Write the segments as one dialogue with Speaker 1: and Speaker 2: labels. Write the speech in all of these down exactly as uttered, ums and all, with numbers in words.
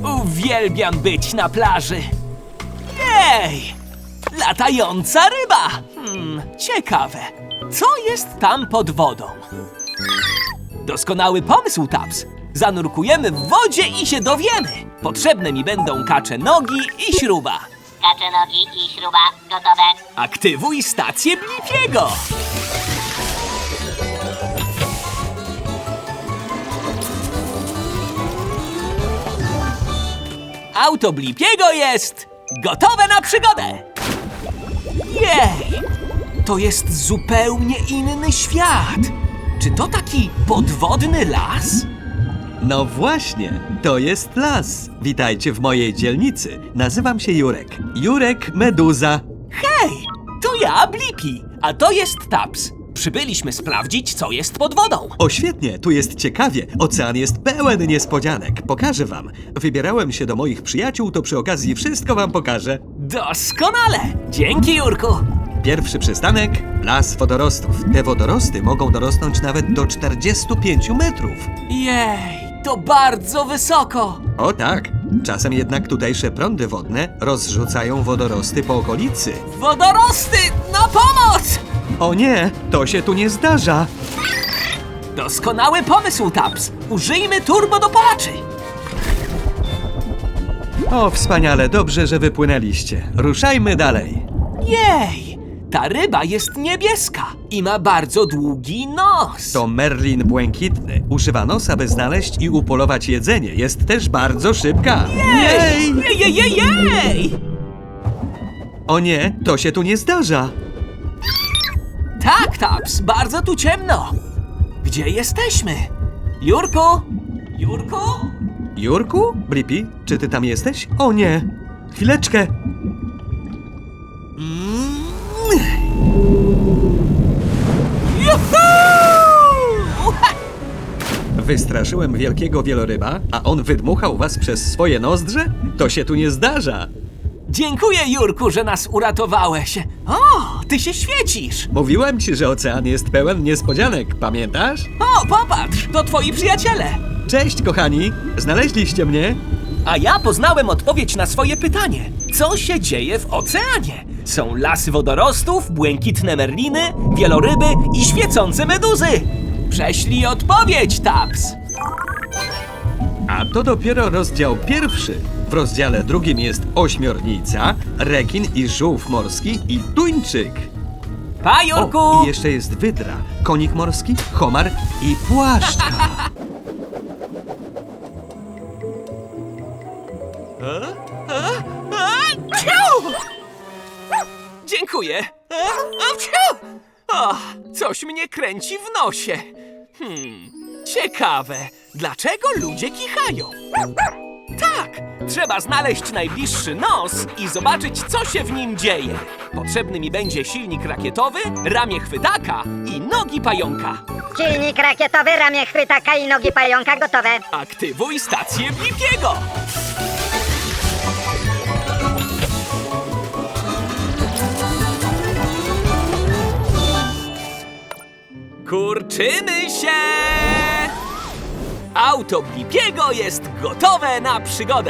Speaker 1: Uwielbiam być na plaży. Jej! Latająca ryba! Hmm, ciekawe. Co jest tam pod wodą? Doskonały pomysł, Taps. Zanurkujemy w wodzie i się dowiemy. Potrzebne mi będą kacze nogi i śruba.
Speaker 2: Kacze nogi i śruba gotowe.
Speaker 1: Aktywuj stację Blippiego. Auto Blippiego jest gotowe na przygodę. Jej! To jest zupełnie inny świat. Czy to taki podwodny las?
Speaker 3: No właśnie, to jest las. Witajcie w mojej dzielnicy. Nazywam się Jurek. Jurek Meduza.
Speaker 1: Hej, to ja, Blippi, a to jest Taps. Przybyliśmy sprawdzić, co jest pod wodą.
Speaker 3: O świetnie, tu jest ciekawie. Ocean jest pełen niespodzianek. Pokażę wam. Wybierałem się do moich przyjaciół, to przy okazji wszystko wam pokażę.
Speaker 1: Doskonale! Dzięki, Jurku.
Speaker 3: Pierwszy przystanek, las wodorostów. Te wodorosty mogą dorosnąć nawet do czterdziestu pięciu metrów.
Speaker 1: Jej, to bardzo wysoko.
Speaker 3: O tak, czasem jednak tutejsze prądy wodne rozrzucają wodorosty po okolicy.
Speaker 1: Wodorosty, na pomoc!
Speaker 3: O nie, to się tu nie zdarza.
Speaker 1: Doskonały pomysł, Taps. Użyjmy turbodopalaczy.
Speaker 3: O, wspaniale, dobrze, że wypłynęliście. Ruszajmy dalej.
Speaker 1: Jej, ta ryba jest niebieska i ma bardzo długi nos.
Speaker 3: To merlin błękitny. Używa nosa, by znaleźć i upolować jedzenie. Jest też bardzo szybka.
Speaker 1: Jej! Jej, jej, jej, jej!
Speaker 3: O nie, to się tu nie zdarza.
Speaker 1: Tak, Taps, bardzo tu ciemno. Gdzie jesteśmy? Jurku? Jurku?
Speaker 3: Jurku? Blippi, czy ty tam jesteś? O nie! Chwileczkę!
Speaker 1: Juhu!
Speaker 3: Wystraszyłem wielkiego wieloryba, a on wydmuchał was przez swoje nozdrze? To się tu nie zdarza.
Speaker 1: Dziękuję, Jurku, że nas uratowałeś. O, ty się świecisz.
Speaker 3: Mówiłem ci, że ocean jest pełen niespodzianek, pamiętasz?
Speaker 1: O, popatrz, to twoi przyjaciele.
Speaker 3: Cześć, kochani! Znaleźliście mnie?
Speaker 1: A ja poznałem odpowiedź na swoje pytanie. Co się dzieje w oceanie? Są lasy wodorostów, błękitne merliny, wieloryby i świecące meduzy. Prześlij odpowiedź, Taps.
Speaker 3: A to dopiero rozdział pierwszy. W rozdziale drugim jest ośmiornica, rekin i żółw morski i tuńczyk.
Speaker 1: Pa, Jurku!
Speaker 3: O, i jeszcze jest wydra, konik morski, homar i płaszczka.
Speaker 1: Ciu! Dziękuję. A, a, ciu! O, coś mnie kręci w nosie. Hmm, ciekawe, dlaczego ludzie kichają? Tak, trzeba znaleźć najbliższy nos i zobaczyć, co się w nim dzieje. Potrzebny mi będzie silnik rakietowy, ramię chwytaka i nogi pająka.
Speaker 2: Silnik rakietowy, ramię chwytaka i nogi pająka gotowe.
Speaker 1: Aktywuj stację Blippiego. Kurczymy się! Auto Blippiego jest gotowe na przygodę.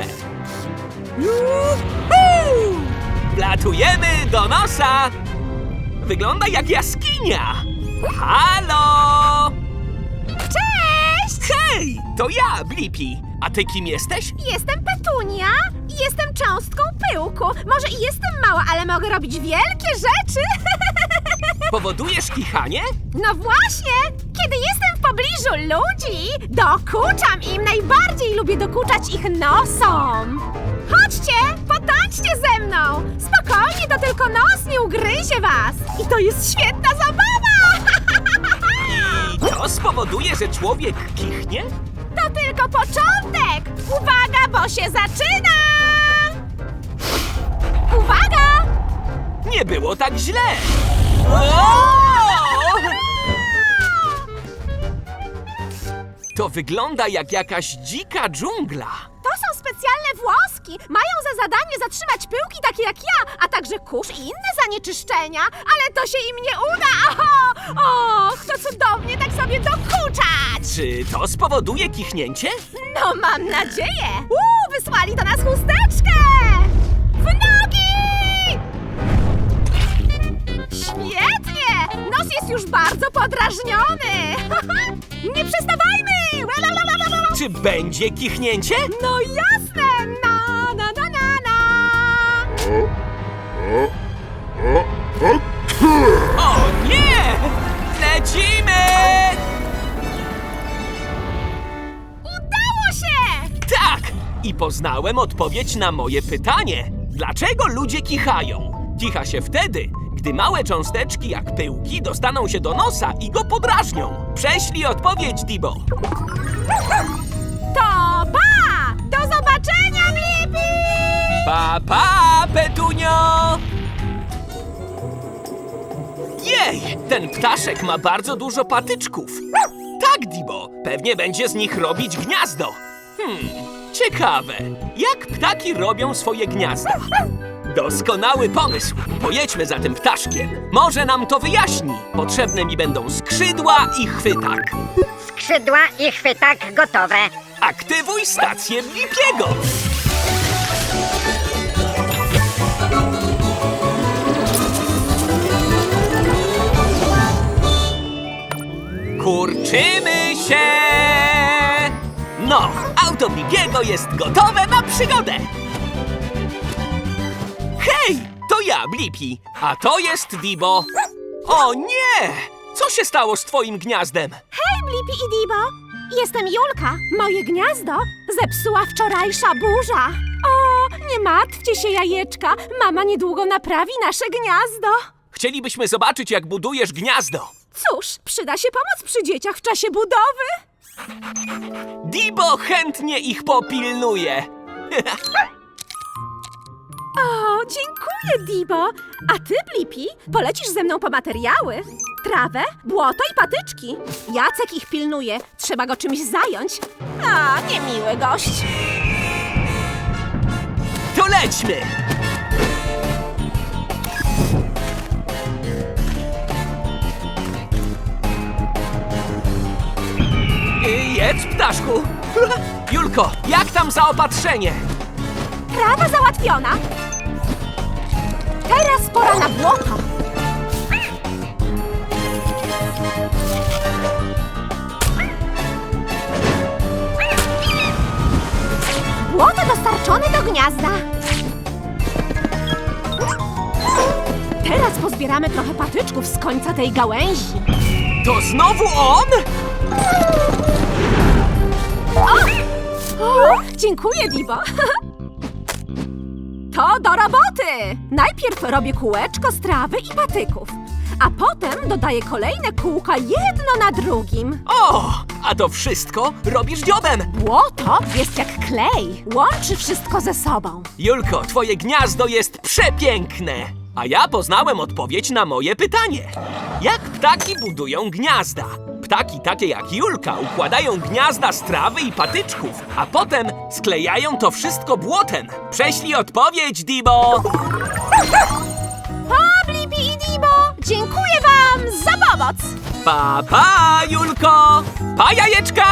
Speaker 1: Juhu! Wlatujemy do nosa. Wygląda jak jaskinia. Halo!
Speaker 4: Cześć!
Speaker 1: Hej, to ja, Blippi. A ty kim jesteś?
Speaker 4: Jestem Petunia i jestem cząstką pyłku. Może i jestem mała, ale mogę robić wielkie rzeczy.
Speaker 1: Powodujesz kichanie?
Speaker 4: No właśnie! Kiedy jestem w pobliżu ludzi, dokuczam im. Najbardziej lubię dokuczać ich nosom. Chodźcie, potańczcie ze mną. Spokojnie, to tylko nos nie ugryzie was. I to jest świetna zabawa!
Speaker 1: I to spowoduje, że człowiek kichnie?
Speaker 4: To tylko początek! Uwaga, bo się zaczyna! Uwaga!
Speaker 1: Nie było tak źle. O! To wygląda jak jakaś dzika dżungla.
Speaker 4: To są specjalne specjalne włoski. Mają za zadanie zatrzymać pyłki takie jak ja, a także kurz i inne zanieczyszczenia. Ale to się im nie uda. Oho! Och, to cudownie tak sobie dokuczać.
Speaker 1: Czy to spowoduje kichnięcie?
Speaker 4: No mam nadzieję. Uuu, wysłali do nas chusteczkę. W nogi! Świetnie! Nos jest już bardzo podrażniony. Nie przestawajmy!
Speaker 1: Czy będzie kichnięcie?
Speaker 4: No jasne! Na, na, na, na, na!
Speaker 1: O nie! Lecimy!
Speaker 4: Udało się!
Speaker 1: Tak! I poznałem odpowiedź na moje pytanie. Dlaczego ludzie kichają? Kicha się wtedy, gdy małe cząsteczki jak pyłki dostaną się do nosa i go podrażnią. Prześlij odpowiedź, Dibo.
Speaker 4: To pa! Do zobaczenia, Blippi!
Speaker 1: Pa, pa, Petunio! Jej! Ten ptaszek ma bardzo dużo patyczków. Tak, Dibo, pewnie będzie z nich robić gniazdo. Hmm, ciekawe. Jak ptaki robią swoje gniazda? Doskonały pomysł. Pojedźmy za tym ptaszkiem. Może nam to wyjaśni. Potrzebne mi będą skrzydła i chwytak.
Speaker 2: Skrzydła i chwytak gotowe.
Speaker 1: Aktywuj stację Blippiego. Kurczymy się! No, auto Blippiego jest gotowe na przygodę! Hej, to ja, Blippi, a to jest Dibo. O nie! Co się stało z twoim gniazdem?
Speaker 4: Hej, Blippi i Dibo! Jestem Julka. Moje gniazdo zepsuła wczorajsza burza. O, nie martwcie się, jajeczka. Mama niedługo naprawi nasze gniazdo.
Speaker 1: Chcielibyśmy zobaczyć, jak budujesz gniazdo.
Speaker 4: Cóż, przyda się pomoc przy dzieciach w czasie budowy.
Speaker 1: Dibo chętnie ich popilnuje.
Speaker 4: O, dziękuję, Dibo. A ty, Blippi, polecisz ze mną po materiały? Trawę, błoto i patyczki. Jacek ich pilnuje. Trzeba go czymś zająć. A, niemiły gość.
Speaker 1: To lećmy! Y, Jedz, ptaszku! Julko, jak tam zaopatrzenie?
Speaker 4: Trawa załatwiona. Teraz pora na błoto. Błoto dostarczone do gniazda. Teraz pozbieramy trochę patyczków z końca tej gałęzi.
Speaker 1: To znowu on?
Speaker 4: O, dziękuję, Dibo. To do roboty! Najpierw robię kółeczko z trawy i patyków, a potem dodaję kolejne kółka jedno na drugim.
Speaker 1: O, a to wszystko robisz dziobem.
Speaker 4: Błoto jest jak klej, łączy wszystko ze sobą.
Speaker 1: Julko, twoje gniazdo jest przepiękne. A ja poznałem odpowiedź na moje pytanie. Jak ptaki budują gniazda? Ptaki takie jak Julka układają gniazda z trawy i patyczków, a potem sklejają to wszystko błotem. Prześlij odpowiedź, Dibo!
Speaker 4: Pa, Blippi i Dibo! Dziękuję wam za pomoc!
Speaker 1: Pa, pa, Julko! Pa, jajeczka!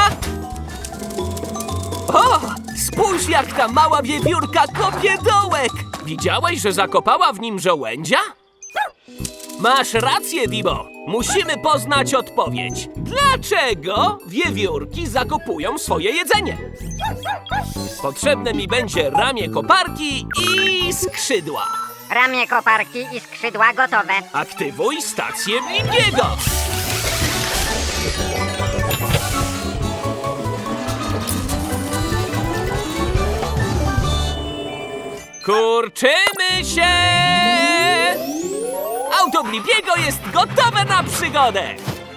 Speaker 1: O, spójrz, jak ta mała wiewiórka kopie dołek! Widziałeś, że zakopała w nim żołędzia? Masz rację, Dibo. Musimy poznać odpowiedź. Dlaczego wiewiórki zakopują swoje jedzenie? Potrzebne mi będzie ramię koparki i skrzydła.
Speaker 2: Ramię koparki i skrzydła gotowe.
Speaker 1: Aktywuj stację Blippiego. Kurczymy się! Auto Blippiego jest gotowe na przygodę!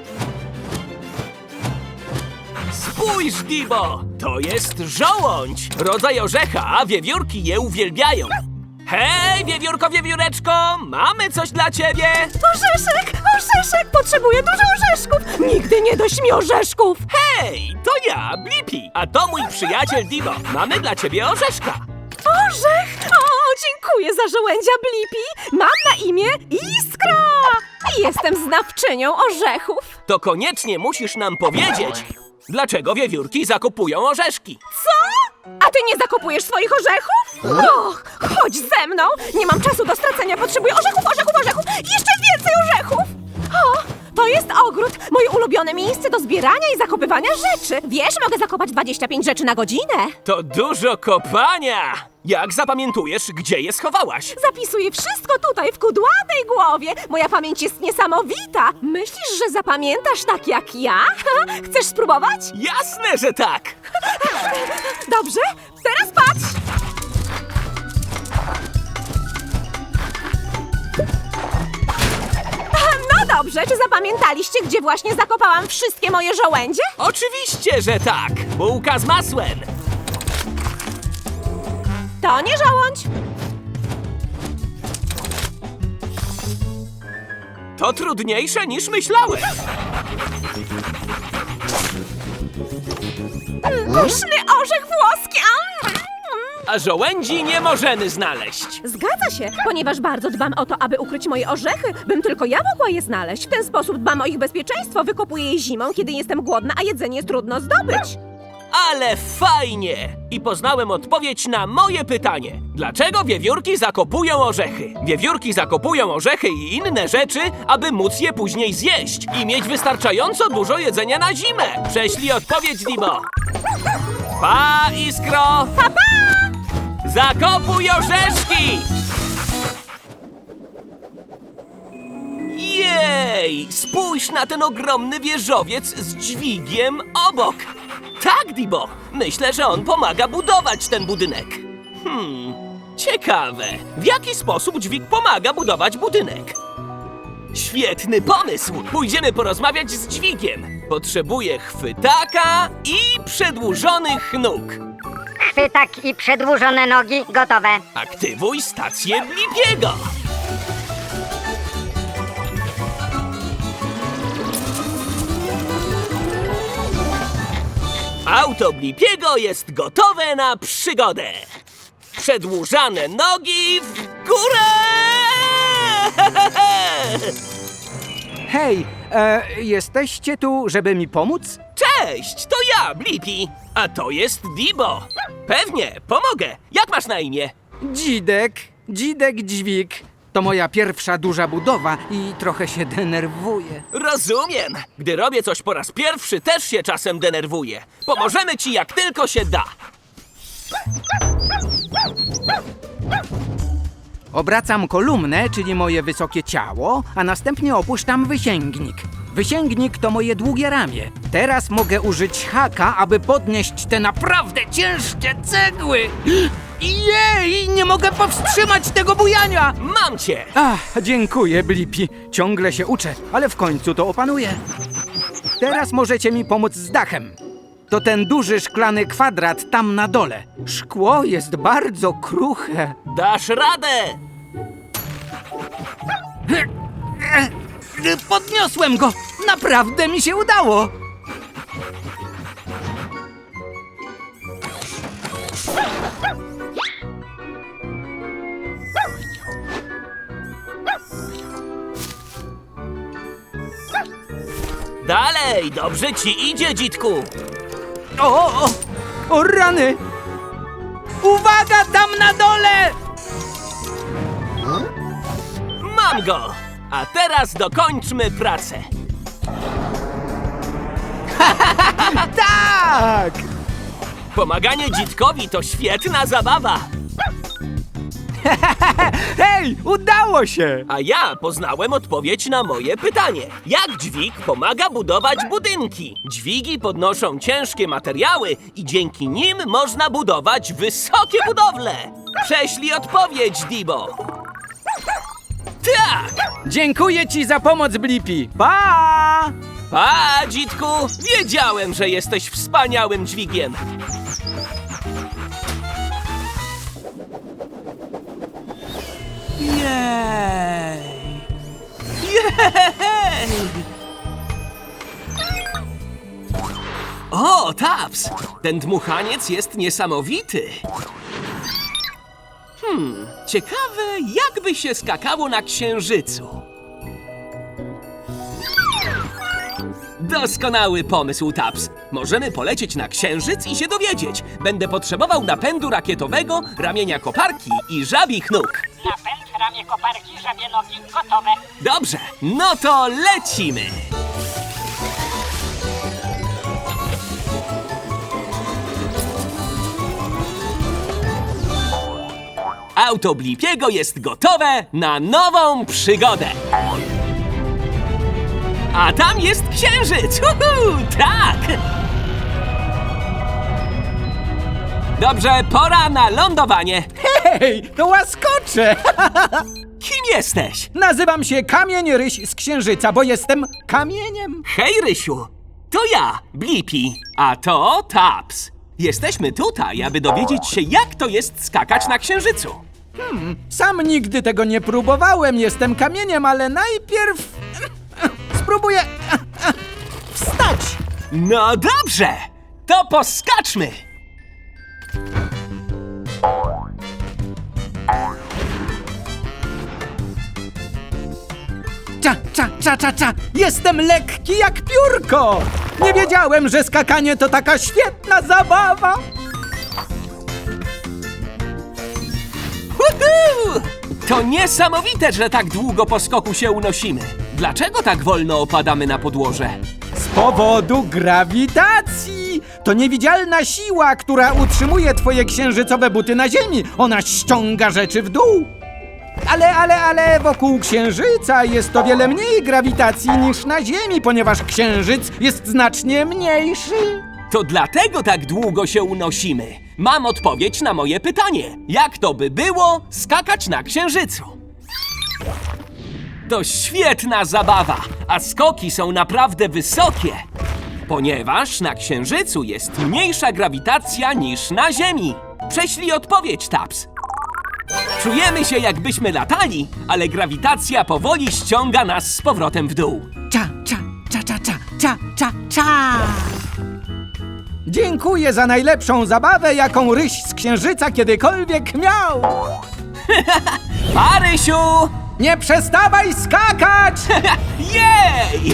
Speaker 1: Spójrz, Dibo! To jest żołądź! Rodzaj orzecha, a wiewiórki je uwielbiają. Hej, wiewiórko, wiewióreczko! Mamy coś dla ciebie!
Speaker 4: Orzeszek! Orzeszek! Potrzebuję dużo orzeszków! Nigdy nie dość mi orzeszków!
Speaker 1: Hej, to ja, Blippi, a to mój przyjaciel Dibo. Mamy dla ciebie orzeszka.
Speaker 4: Orzech! O, dziękuję za żołędzia Blippi. Mam na imię Iskra. I jestem znawczynią orzechów.
Speaker 1: To koniecznie musisz nam powiedzieć, dlaczego wiewiórki zakupują orzeszki.
Speaker 4: Co? A ty nie zakopujesz swoich orzechów? Och, chodź ze mną! Nie mam czasu do stracenia, potrzebuję orzechów, orzechów, orzechów! Jeszcze więcej orzechów! O, to jest ogród, moje ulubione miejsce do zbierania i zakopywania rzeczy. Wiesz, mogę zakopać dwadzieścia pięć rzeczy na godzinę.
Speaker 1: To dużo kopania! Jak zapamiętujesz, gdzie je schowałaś?
Speaker 4: Zapisuję wszystko tutaj, w kudłatej głowie. Moja pamięć jest niesamowita. Myślisz, że zapamiętasz tak jak ja? Chcesz spróbować?
Speaker 1: Jasne, że tak!
Speaker 4: Dobrze, teraz patrz! No dobrze, czy zapamiętaliście, gdzie właśnie zakopałam wszystkie moje żołędzie?
Speaker 1: Oczywiście, że tak! Bułka z masłem!
Speaker 4: To nie żołądź.
Speaker 1: To trudniejsze niż myślałem!
Speaker 4: Pyszny orzech włoski! Am!
Speaker 1: A żołędzi nie możemy znaleźć.
Speaker 4: Zgadza się, ponieważ bardzo dbam o to, aby ukryć moje orzechy, bym tylko ja mogła je znaleźć. W ten sposób dbam o ich bezpieczeństwo, wykopuję je zimą, kiedy jestem głodna, a jedzenie trudno zdobyć.
Speaker 1: Ale fajnie! I poznałem odpowiedź na moje pytanie. Dlaczego wiewiórki zakopują orzechy? Wiewiórki zakopują orzechy i inne rzeczy, aby móc je później zjeść i mieć wystarczająco dużo jedzenia na zimę. Prześlij odpowiedź, Dibo. Pa, Iskro!
Speaker 4: Pa, pa!
Speaker 1: Zakopuj orzeszki! Jej! Spójrz na ten ogromny wieżowiec z dźwigiem obok. Tak, Dibo. Myślę, że on pomaga budować ten budynek. Hmm, ciekawe. W jaki sposób dźwig pomaga budować budynek? Świetny pomysł! Pójdziemy porozmawiać z dźwigiem. Potrzebuję chwytaka i przedłużonych nóg.
Speaker 2: Chwytak i przedłużone nogi gotowe.
Speaker 1: Aktywuj stację Blippiego. Auto Blippiego jest gotowe na przygodę. Przedłużane nogi w górę!
Speaker 5: Hej, e, jesteście tu, żeby mi pomóc?
Speaker 1: Cześć, to ja, Blippi. A to jest Dibo. Pewnie, pomogę. Jak masz na imię?
Speaker 5: Dzidek, Dzidek Dźwig. To moja pierwsza duża budowa i trochę się denerwuję.
Speaker 1: Rozumiem. Gdy robię coś po raz pierwszy, też się czasem denerwuję. Pomożemy ci jak tylko się da.
Speaker 5: Obracam kolumnę, czyli moje wysokie ciało, a następnie opuszczam wysięgnik. Wysięgnik to moje długie ramię. Teraz mogę użyć haka, aby podnieść te naprawdę ciężkie cegły. Jej, nie mogę powstrzymać tego bujania!
Speaker 1: Mam cię.
Speaker 5: Ach, dziękuję, Blippi. Ciągle się uczę, ale w końcu to opanuję. Teraz możecie mi pomóc z dachem. To ten duży szklany kwadrat tam na dole. Szkło jest bardzo kruche.
Speaker 1: Dasz radę.
Speaker 5: Podniosłem go! Naprawdę mi się udało!
Speaker 1: Dalej, dobrze ci idzie, dzitku.
Speaker 5: O, o, o rany! Uwaga tam na dole!
Speaker 1: Mam go. A teraz dokończmy pracę.
Speaker 5: Tak!
Speaker 1: Pomaganie dzitkowi to świetna zabawa.
Speaker 5: Hej, udało się!
Speaker 1: A ja poznałem odpowiedź na moje pytanie. Jak dźwig pomaga budować budynki? Dźwigi podnoszą ciężkie materiały i dzięki nim można budować wysokie budowle. Prześlij odpowiedź, Dibo. Tak!
Speaker 5: Dziękuję ci za pomoc, Blippi. Pa!
Speaker 1: Pa, dzitku! Wiedziałem, że jesteś wspaniałym dźwigiem. Jej! Jej! O, Taps! Ten dmuchaniec jest niesamowity. Hmm, ciekawe, jakby się skakało na Księżycu. Doskonały pomysł, Taps. Możemy polecieć na Księżyc i się dowiedzieć. Będę potrzebował napędu rakietowego, ramienia koparki i żabich nóg.
Speaker 6: Napęd, ramię koparki, żabie nogi, gotowe.
Speaker 1: Dobrze, no to lecimy! Auto Blipiego jest gotowe na nową przygodę! A tam jest Księżyc! Uhu, tak! Dobrze, pora na lądowanie.
Speaker 5: Hej, to łaskocze!
Speaker 1: Kim jesteś?
Speaker 5: Nazywam się Kamień Ryś z Księżyca, bo jestem kamieniem.
Speaker 1: Hej, Rysiu! To ja, Blippi, a to Taps. Jesteśmy tutaj, aby dowiedzieć się, jak to jest skakać na Księżycu.
Speaker 5: Sam nigdy tego nie próbowałem, jestem kamieniem, ale najpierw spróbuję wstać.
Speaker 1: No dobrze, to poskaczmy!
Speaker 5: Cza, cza, cza, cza, cza. Jestem lekki jak piórko. Nie wiedziałem, że skakanie to taka świetna zabawa.
Speaker 1: Uhu! To niesamowite, że tak długo po skoku się unosimy. Dlaczego tak wolno opadamy na podłoże?
Speaker 5: Z powodu grawitacji. To niewidzialna siła, która utrzymuje twoje księżycowe buty na ziemi. Ona ściąga rzeczy w dół. Ale, ale, ale wokół Księżyca jest o wiele mniej grawitacji niż na Ziemi, ponieważ Księżyc jest znacznie mniejszy.
Speaker 1: To dlatego tak długo się unosimy. Mam odpowiedź na moje pytanie. Jak to by było skakać na Księżycu? To świetna zabawa, a skoki są naprawdę wysokie. Ponieważ na Księżycu jest mniejsza grawitacja niż na Ziemi. Prześlij odpowiedź, Taps. Czujemy się, jakbyśmy latali, ale grawitacja powoli ściąga nas z powrotem w dół.
Speaker 5: Cza, cza, cza, cza, cza, cza, cza, cza. Dziękuję za najlepszą zabawę, jaką Ryś z Księżyca kiedykolwiek miał.
Speaker 1: Marysiu!
Speaker 5: Nie przestawaj skakać!
Speaker 1: Jej!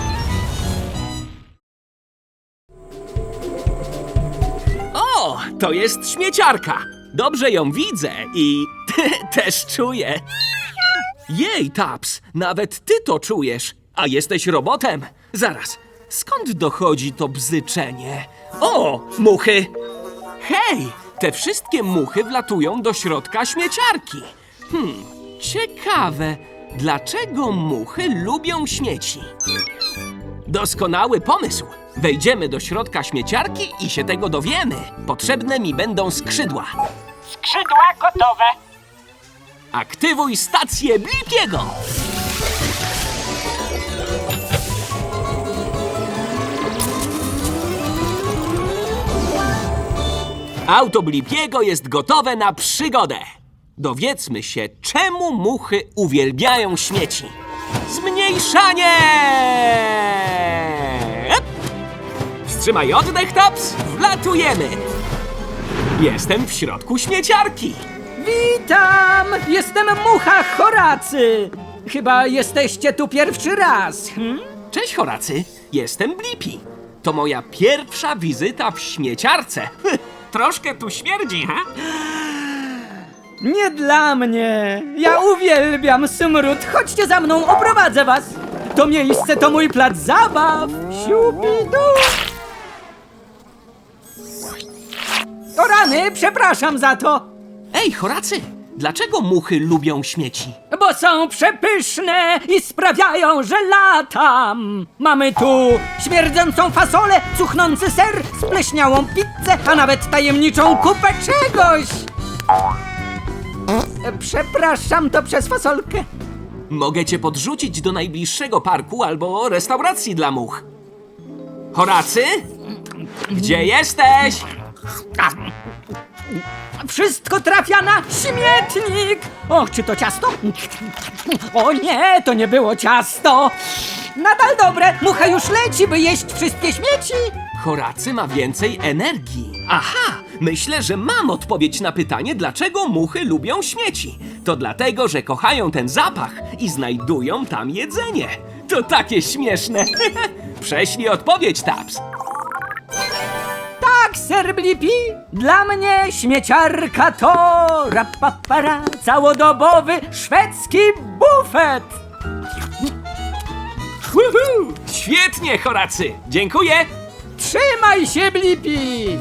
Speaker 1: O, to jest śmieciarka. Dobrze ją widzę i też czuję. Jej, Taps, nawet ty to czujesz, a jesteś robotem. Zaraz, skąd dochodzi to bzyczenie? O, muchy! Hej, te wszystkie muchy wlatują do środka śmieciarki. Hmm, ciekawe, dlaczego muchy lubią śmieci? Doskonały pomysł! Wejdziemy do środka śmieciarki i się tego dowiemy. Potrzebne mi będą skrzydła.
Speaker 6: Skrzydła gotowe.
Speaker 1: Aktywuj stację Blipiego! Auto Blipiego jest gotowe na przygodę. Dowiedzmy się, czemu muchy uwielbiają śmieci. Zmniejszanie! Ep! Wstrzymaj oddech, Taps! Wlatujemy! Jestem w środku śmieciarki.
Speaker 5: Witam! Jestem Mucha Horacy. Chyba jesteście tu pierwszy raz. Hm?
Speaker 1: Cześć, Horacy. Jestem Blippi. To moja pierwsza wizyta w śmieciarce. Troszkę tu śmierdzi, ha?
Speaker 5: Nie dla mnie. Ja uwielbiam smród. Chodźcie za mną, oprowadzę was. To miejsce to mój plac zabaw. Siupidu. O rany, przepraszam za to.
Speaker 1: Ej, Horacy, dlaczego muchy lubią śmieci?
Speaker 5: Bo są przepyszne i sprawiają, że latam. Mamy tu śmierdzącą fasolę, cuchnący ser, spleśniałą pizzę, a nawet tajemniczą kupę czegoś. E, Przepraszam, to przez fasolkę.
Speaker 1: Mogę cię podrzucić do najbliższego parku albo restauracji dla much. Horacy? Gdzie jesteś?
Speaker 5: Wszystko trafia na śmietnik! Och, czy to ciasto? O nie, to nie było ciasto! Nadal dobre, mucha już leci, by jeść wszystkie śmieci!
Speaker 1: Horacy ma więcej energii. Aha, myślę, że mam odpowiedź na pytanie, dlaczego muchy lubią śmieci. To dlatego, że kochają ten zapach i znajdują tam jedzenie. To takie śmieszne. Prześlij odpowiedź, Taps.
Speaker 7: Tak, Sir Blippi, dla mnie śmieciarka to rapapara, całodobowy szwedzki bufet.
Speaker 1: Woohoo! Świetnie, Horacy. Dziękuję.
Speaker 7: Trzymaj się, Blippi!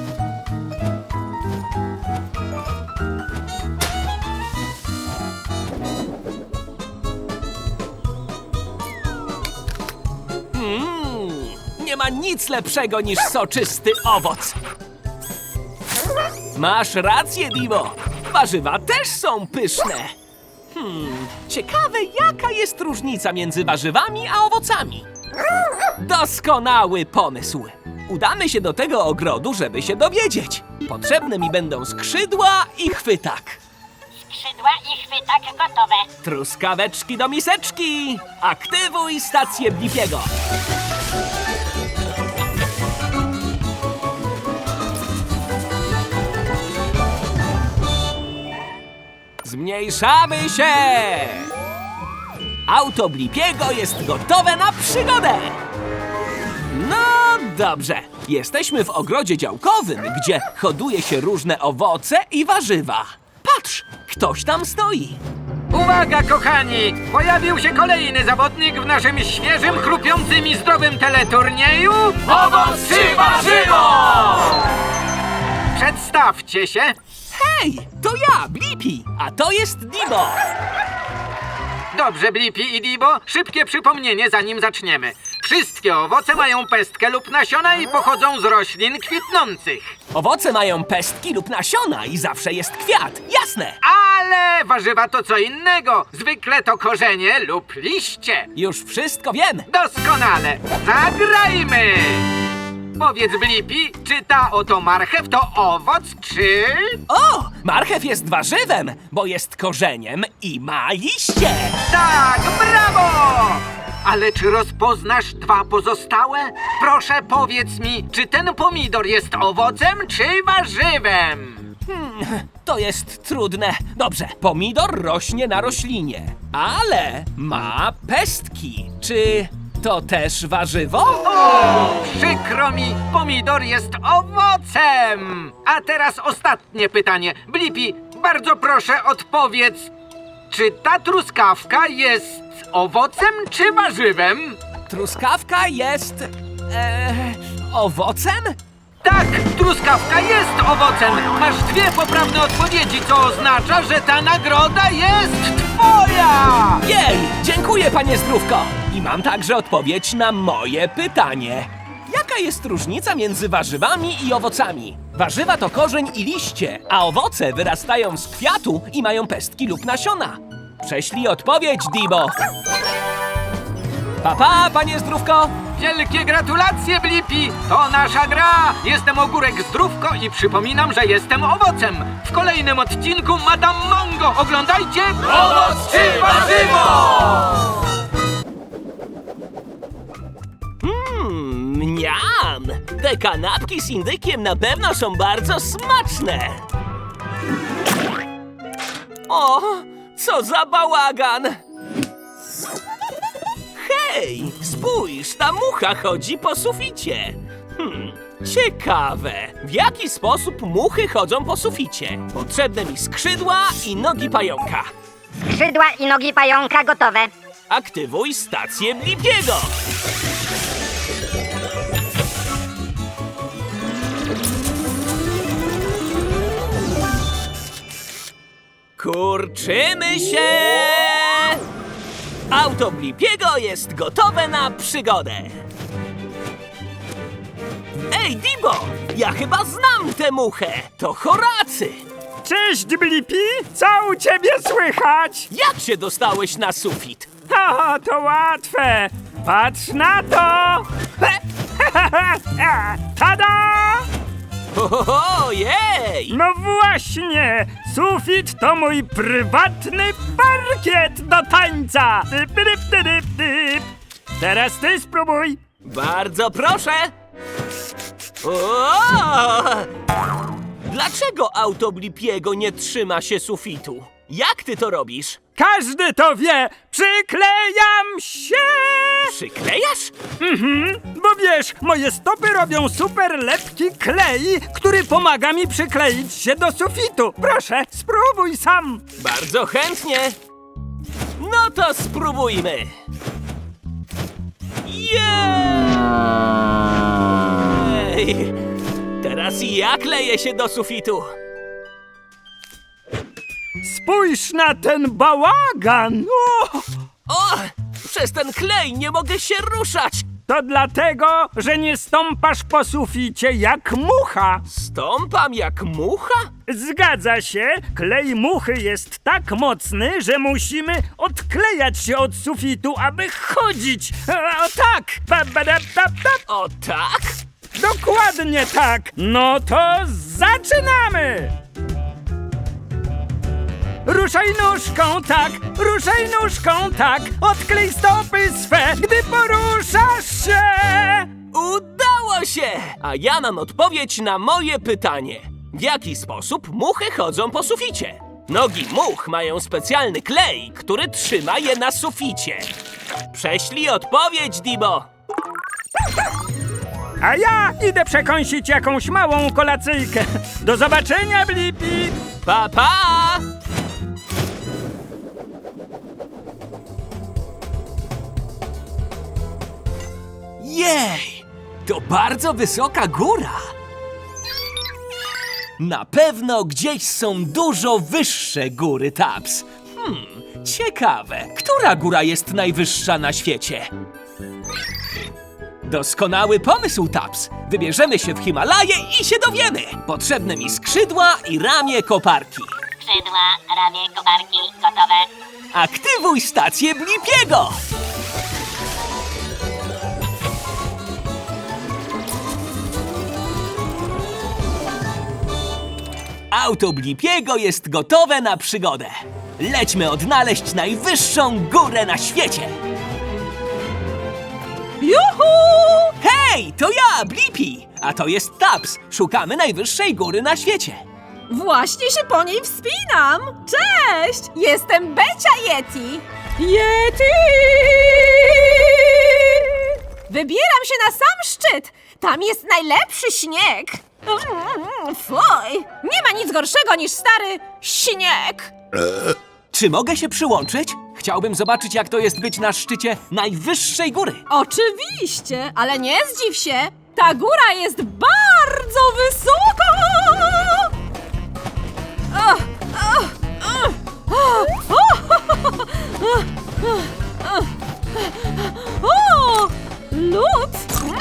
Speaker 1: Mm, nie ma nic lepszego niż soczysty owoc. Masz rację, Dimo. Warzywa też są pyszne. Hmm, ciekawe, jaka jest różnica między warzywami a owocami. Doskonały pomysł. Udamy się do tego ogrodu, żeby się dowiedzieć. Potrzebne mi będą skrzydła i chwytak.
Speaker 6: Skrzydła i chwytak gotowe.
Speaker 1: Truskaweczki do miseczki. Aktywuj stację Blippiego. Zmniejszamy się! Auto Blippiego jest gotowe na przygodę! No dobrze, jesteśmy w ogrodzie działkowym, gdzie hoduje się różne owoce i warzywa. Patrz, ktoś tam stoi.
Speaker 5: Uwaga, kochani! Pojawił się kolejny zawodnik w naszym świeżym, chrupiącym i zdrowym teleturnieju.
Speaker 1: Owoc czy warzywo!
Speaker 5: Przedstawcie się.
Speaker 1: Hej, to ja, Blippi, a to jest Dibo.
Speaker 5: Dobrze, Blippi i Dibo, szybkie przypomnienie, zanim zaczniemy. Wszystkie owoce mają pestkę lub nasiona i pochodzą z roślin kwitnących.
Speaker 1: Owoce mają pestki lub nasiona i zawsze jest kwiat, jasne.
Speaker 5: Ale warzywa to co innego. Zwykle to korzenie lub liście.
Speaker 1: Już wszystko wiem.
Speaker 5: Doskonale. Zagrajmy! Powiedz, Blippi, czy ta oto marchew to owoc, czy...
Speaker 1: O, marchew jest warzywem, bo jest korzeniem i ma liście.
Speaker 5: Tak, brawo! Ale czy rozpoznasz dwa pozostałe? Proszę, powiedz mi, czy ten pomidor jest owocem, czy warzywem?
Speaker 1: To jest trudne. Dobrze, pomidor rośnie na roślinie, ale ma pestki. Czy to też warzywo?
Speaker 5: O, przykro mi, pomidor jest owocem! A teraz ostatnie pytanie. Blippi, bardzo proszę odpowiedz, czy ta truskawka jest owocem czy warzywem?
Speaker 1: Truskawka jest... E, owocem?
Speaker 5: Tak, truskawka jest owocem. Masz dwie poprawne odpowiedzi, co oznacza, że ta nagroda jest twoja!
Speaker 1: Jej, dziękuję, panie Zdrówko. I mam także odpowiedź na moje pytanie. Jaka jest różnica między warzywami i owocami? Warzywa to korzeń i liście, a owoce wyrastają z kwiatu i mają pestki lub nasiona. Prześlij odpowiedź, Dibo. Pa, pa, panie Zdrówko.
Speaker 5: Wielkie gratulacje, Blippi! To nasza gra! Jestem Ogórek Zdrówko i przypominam, że jestem owocem. W kolejnym odcinku Madame Mango. Oglądajcie!
Speaker 1: Owoc czy warzywo? Mmm, mniam! Te kanapki z indykiem na pewno są bardzo smaczne. O, co za bałagan! Hej, spójrz, ta mucha chodzi po suficie. Hmm, ciekawe, w jaki sposób muchy chodzą po suficie? Potrzebne mi skrzydła i nogi pająka.
Speaker 2: Skrzydła i nogi pająka gotowe.
Speaker 1: Aktywuj stację Blippiego. Kurczymy się! Auto Blippiego jest gotowe na przygodę. Ej, Dibo! Ja chyba znam tę muchę. To Horacy.
Speaker 7: Cześć, Blippi! Co u ciebie słychać?
Speaker 1: Jak się dostałeś na sufit?
Speaker 7: O, to łatwe! Patrz na to! Tada!
Speaker 1: Ojej!
Speaker 7: No właśnie! Sufit to mój prywatny parkiet do tańca! Typ, typ, typ, typ. Teraz ty spróbuj!
Speaker 1: Bardzo proszę! O! Dlaczego auto Blipiego nie trzyma się sufitu? Jak ty to robisz?
Speaker 7: Każdy to wie! Przyklejam się!
Speaker 1: Przyklejasz?
Speaker 7: Mhm, bo wiesz, moje stopy robią super lepki klej, który pomaga mi przykleić się do sufitu. Proszę, spróbuj sam.
Speaker 1: Bardzo chętnie. No to spróbujmy. Jej! Teraz ja kleję się do sufitu.
Speaker 7: Spójrz na ten bałagan! O,
Speaker 1: O! Przez ten klej nie mogę się ruszać.
Speaker 7: to dlatego, że nie stąpasz po suficie jak mucha.
Speaker 1: Stąpam jak mucha?
Speaker 7: Zgadza się, klej muchy jest tak mocny, że musimy odklejać się od sufitu, aby chodzić. O tak! Pa, ba, da, pa, pa.
Speaker 1: O tak?
Speaker 7: Dokładnie tak! No to zaczynamy! Ruszaj nóżką, tak! Ruszaj nóżką, tak! Odklej stopy swe, gdy poruszasz się!
Speaker 1: Udało się! A ja mam odpowiedź na moje pytanie. W jaki sposób muchy chodzą po suficie? Nogi much mają specjalny klej, który trzyma je na suficie. Prześlij odpowiedź, Dibo.
Speaker 7: A ja idę przekąsić jakąś małą kolacyjkę. Do zobaczenia, Blippi!
Speaker 1: Pa, pa! Jej! To bardzo wysoka góra! Na pewno gdzieś są dużo wyższe góry, Taps. Hmm, ciekawe, która góra jest najwyższa na świecie? Doskonały pomysł, Taps. Wybierzemy się w Himalaje i się dowiemy. Potrzebne mi skrzydła i ramię koparki.
Speaker 6: Skrzydła, ramię, koparki, gotowe.
Speaker 1: Aktywuj stację Blipiego! Auto Blipiego jest gotowe na przygodę. Lećmy odnaleźć najwyższą górę na świecie. Juhu! Hej, to ja, Blippi! A to jest Taps. Szukamy najwyższej góry na świecie.
Speaker 4: Właśnie się po niej wspinam! Cześć! Jestem Becia Yeti! Yeti! Wybieram się na sam szczyt! Tam jest najlepszy śnieg! Mm, Fuj! Nie ma nic gorszego niż stary śnieg!
Speaker 1: Czy mogę się przyłączyć? Chciałbym zobaczyć, jak to jest być na szczycie najwyższej góry.
Speaker 4: Oczywiście, ale nie zdziw się! Ta góra jest bardzo wysoka! Ach, ach, ach, ach, ach, O! Lód!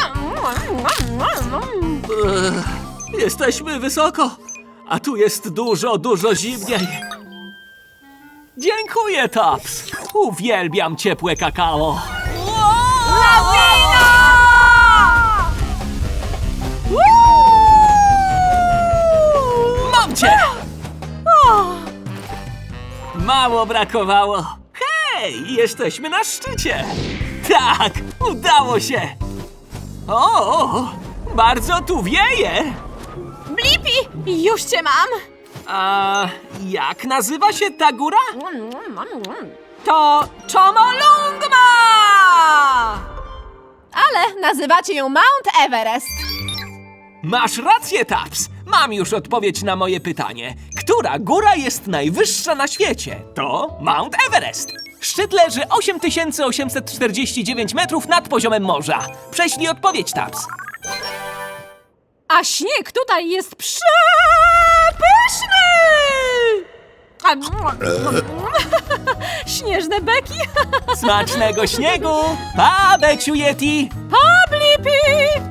Speaker 1: Jesteśmy wysoko, a tu jest dużo, dużo zimniej. Dziękuję, Taps. Uwielbiam ciepłe kakao.
Speaker 4: Lawina!
Speaker 1: Mam cię! Mało brakowało. Hej, jesteśmy na szczycie. Tak, udało się. O, bardzo tu wieje.
Speaker 4: Blippi, już cię mam!
Speaker 1: A jak nazywa się ta góra?
Speaker 4: To Chomolungma! Ale nazywacie ją Mount Everest.
Speaker 1: Masz rację, Taps. Mam już odpowiedź na moje pytanie. Która góra jest najwyższa na świecie? To Mount Everest. Szczyt leży osiem tysięcy osiemset czterdzieści dziewięć metrów nad poziomem morza. Prześlij odpowiedź, Taps.
Speaker 4: A śnieg tutaj jest przepyszny! Śnieżne beki!
Speaker 1: Smacznego śniegu! Pa, Beciu Yeti!
Speaker 4: Pa, Blippi!